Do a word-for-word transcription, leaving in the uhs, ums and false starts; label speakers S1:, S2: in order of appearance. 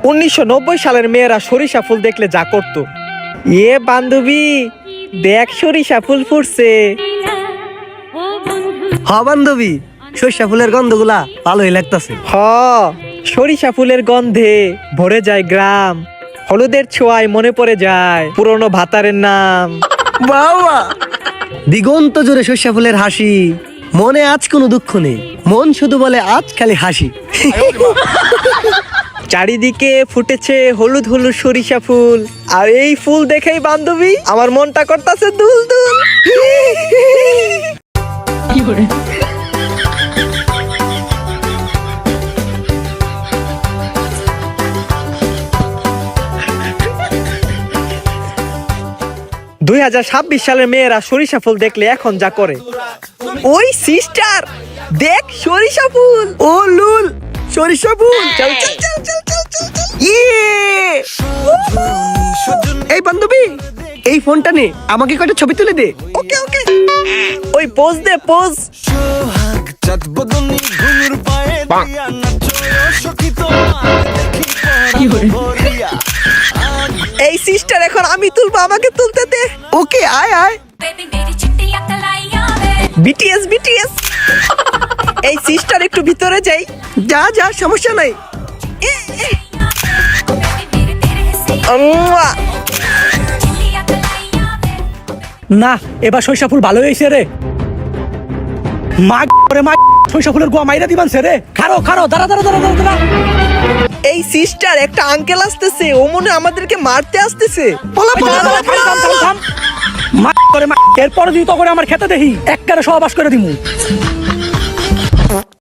S1: উনিশশো নব্বই সালের মেয়েরা সরিষা ফুল দেখলে যা করতো, এ বান্ধবী দেখ সরিষা ফুল ফুটছে।
S2: হ বান্ধবী, সরিষা ফুলের গন্ধগুলা ভালোই লাগতাছে।
S1: হ, সরিষা ফুলের গন্ধে ভরে যায় গ্রাম, হলুদের ছোঁয়ায় মনে পড়ে যায় পুরনো ভাতারের নাম।
S2: বাবা, দিগন্ত জোরে সরিষা ফুলের হাসি, মনে আজ কোনো দুঃখ নেই, মন শুধু বলে আজ খালি হাসি।
S1: চারিদিকে ফুটেছে হলুদ হলুদ সরিষা ফুল, আর এই ফুল দেখেই বান্ধবী আমার মনটা করতেছে দুল দুল। দুই হাজার ছাব্বিশ সালের মেয়েরা সরিষা ফুল দেখলে এখন যা করে, ওই সিস্টার দেখ সরিষা ফুল।
S2: ও লুল, সরিষা ফুল।
S1: চল চল চল চল চল চল চল।
S2: ইয়ে! এই বান্ধবী, এই ফোনটা নে, আমাকে কয়টা ছবি তুলে দে।
S1: ওকে ওকে, ওই পোজ দে পোজ।
S3: সোহাগ চাঁদ বদনি ঘুঙুর পায়ে দিয়া নাচো সখী তোমার দেখি পড়িয়া।
S1: এই সিস্টার এখন আমি তুলবো, আমাকে তুলতে দে।
S2: ওকে, আয় আয়।
S1: BTS BTS. এই সিস্টার একটু ভিতরে যাই।
S2: যা যা, সমস্যা নাই।
S1: উম্মুয়া।
S4: না, এবার সরিষা ফুল ভালো হয়েছে রে। মা করে মা সরিষা ফুলের গোয়া মাইরা দিবান রে। খারো খারো, দাঁড়া দাঁড়া দাঁড়া দাঁড়া দাঁড়া।
S1: এই সিস্টার একটা আঙ্কেল আসতেছে, ও মনে হয় আমাদেরকে মারতে আসতেছে।
S2: পলা পলা পলা
S4: থাম, থাম, থাম, থাম। মা করে মা, এরপরে যদি তো করে আমার খেতে দেখি একবারে সহবাস করে দিমু।